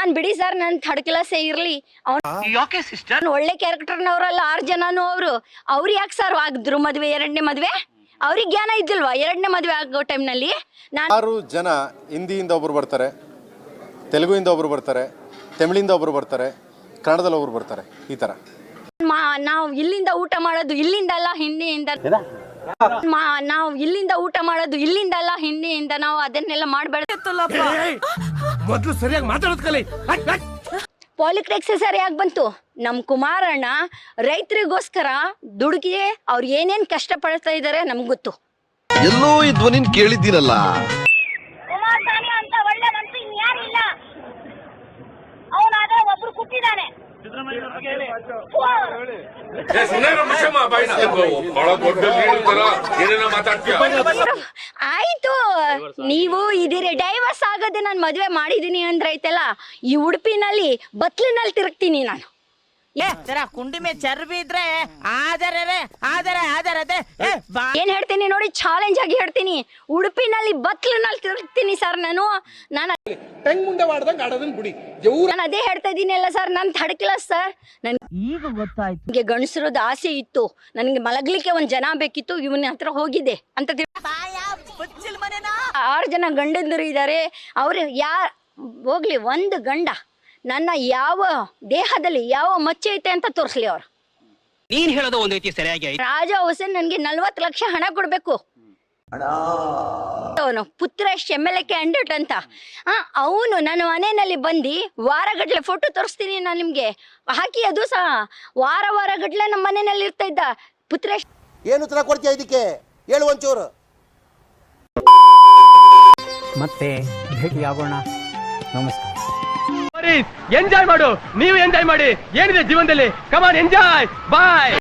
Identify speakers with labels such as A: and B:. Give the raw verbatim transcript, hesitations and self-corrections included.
A: ನಾನ್ ಬಿಡಿ ಸರ್ ನನ್ ಥರ್ಡ್ ಕ್ಲಾಸೇ ಇರ್ಲಿ
B: ಯಾಕೆ ಸಿಸ್ಟರ್
A: ಒಳ್ಳೆ ಕ್ಯಾರೆಕ್ಟರ್ನವ್ರಲ್ಲ ಆರು ಜನನು ಅವರು ಅವ್ರು ಯಾಕೆ ಸರ್ ಆಗಿದ್ರು ಮದ್ವೆ ಎರಡನೇ ಮದ್ವೆ ಅವ್ರಿಗೆ ಜ್ಞಾನ ಇದ್ದಿಲ್ವಾ ಎರಡನೇ ಮದ್ವೆ ಆಗೋ ಟೈಮ್ನಲ್ಲಿ ನಾನು
C: ಆರು ಜನ ಹಿಂದಿಯಿಂದ ಒಬ್ರು ಬರ್ತಾರೆ, ತೆಲುಗುಯಿಂದ ಒಬ್ರು ಬರ್ತಾರೆ, ತಮಿಳಿಂದ ಒಬ್ರು ಬರ್ತಾರೆ, ಕನ್ನಡದಲ್ಲಿ ಒಬ್ರು ಬರ್ತಾರೆ. ಈ ತರ
A: ನಾವು ಇಲ್ಲಿಂದ ಊಟ ಮಾಡೋದು ಇಲ್ಲಿಂದ ಅಲ್ಲ ಹಿಂದಿಯಿಂದ ನಾವು ಇಲ್ಲಿಂದ ಊಟ ಮಾಡೋದು ಇಲ್ಲಿಂದ ಅಲ್ಲ ಹಿಂದಿಯಿಂದ ನಾವು ಅದನ್ನೆಲ್ಲ ಮಾಡ್ಬೇಡತ್ತಲ್ಲಪ್ಪ.
D: ಮೊದಲು ಸರಿಯಾಗಿ ಮಾತಾಡೋದು ಕಲಿ.
A: ಪಾಲಿಟಿಕ್ಸ್ ಸರಿಯಾಗಿ ಬಂತು. ನಮ್ ಕುಮಾರಣ್ಣ ರೈತರಿಗೋಸ್ಕರ ದುಡುಕಿ ಅವ್ರು ಏನೇನ್ ಕಷ್ಟ ಪಡ್ತಾ ಇದಾರೆ ನಮ್ಗೆ ಗೊತ್ತು.
E: ಎಲ್ಲೋ ಈ ಧ್ವನಿನ್ ಕೇಳಿದ್ದೀನಲ್ಲ.
F: ಕುಮಾರಸ್ವಾಮಿ ಅಂತ ಒಳ್ಳೆ ಮನ್ಸು ಇನ್ಯಾರಿಲ್ಲ. ಅವನಾದ್ರೆ ಒಬ್ರು ಕೂತಿದ್ದಾನೆ.
A: ಆಯ್ತು, ನೀವು ಇದೀರಿ ಡೈವರ್ಸ್ ಆಗದೆ ನಾನು ಮದ್ವೆ ಮಾಡಿದೀನಿ ಅಂದ್ರೆ ಐತಲ್ಲ, ಈ ಉಡುಪಿನಲ್ಲಿ ಬತ್ಲಿನಲ್ಲಿ ತಿರುಗ್ತೀನಿ ನಾನು.
B: ಕುಂಡಿ ಮೇ ಚರ್ಬಿ ಇದ್ರೆ ಆದರೆ ಆದರೆ ಆದರೆ
A: ಏನ್ ಹೇಳ್ತೀನಿ ನೋಡಿ, ಚಾಲೆಂಜ್ ಆಗಿ ಹೇಳ್ತೀನಿ, ಉಡುಪಿನಲ್ಲಿ ಬತ್ಲಿನಲ್ಲಿ ತಿರುಗ್ತೀನಿ ಸರ್ ನಾನು. ನಾನು ನಾನು ಅದೇ ಹೇಳ್ತಾ ಇದೀನಿ ಅಲ್ಲ ಸರ್, ನಾನು ಥರ್ಡ್ ಕ್ಲಾಸ್ ಸರ್. ನನ್
B: ಈಗ ಗೊತ್ತಾಯ್ತು.
A: ನನಗೆ ಗಂಡಸರದ ಆಸೆ ಇತ್ತು, ನನಗೆ ಮಲಗ್ಲಿಕ್ಕೆ ಒಂದ್ ಜನ ಬೇಕಿತ್ತು, ಇವನ ಹತ್ರ ಹೋಗಿದ್ದೆ ಅಂತ. ಆರು ಜನ ಗಂಡಂದರು ಇದ್ದಾರೆ. ಅವ್ರು ಯಾರ್ ಹೋಗ್ಲಿ, ಒಂದು ಗಂಡ ನನ್ನ ಯಾವ ದೇಹದಲ್ಲಿ ಯಾವ ಮಚ್ಚೆ ಐತೆ ಅಂತ ತೋರಿಸ್ಲಿ ಅವ್ರು.
B: ನೀನ್ ಹೇಳೋದು ಒಂದ್ ರೀತಿ ಸರಿಯಾಗಿ.
A: ರಾಜ ಹುಸೇನ್ ನನ್ಗೆ ನಲ್ವತ್ತು ಲಕ್ಷ ಹಣ ಕೊಡ್ಬೇಕು. ಅವನು Putresh M L A candidate ಅಂತ. ಅವನು ನನ್ನ ಮನೆಯಲ್ಲಿ ಬಂದು ವಾರಗಟ್ಲೆ ಫೋಟೋ ತೋರಿಸ್ತೀನಿ ನಾನು ನಿಮ್ಗೆ ಹಾಕಿ. ಅದು ಸಹ ವಾರ ವಾರ ಗಟ್ಲೆ ನಮ್ಮ ಮನೆಯಲ್ಲಿ ಇರ್ತಾ ಇದ್ದ ಪುತ್ರೇಶ್.
G: ಏನು ಉತ್ತರ ಕೊಡ್ತೀಯ ಇದಕ್ಕೆ? ಹೇಳು ಒಂಚೂರು.
H: ಮತ್ತೆ ಭೇಟಿಯಾಗೋಣ. ನಮಸ್ಕಾರ.
D: ಎಂಜಾಯ್ ಮಾಡು, ನೀವು ಎಂಜಾಯ್ ಮಾಡಿ. ಏನಿದೆ ಜೀವನದಲ್ಲಿ, ಕಮಾನ್ ಎಂಜಾಯ್. ಬಾಯ್.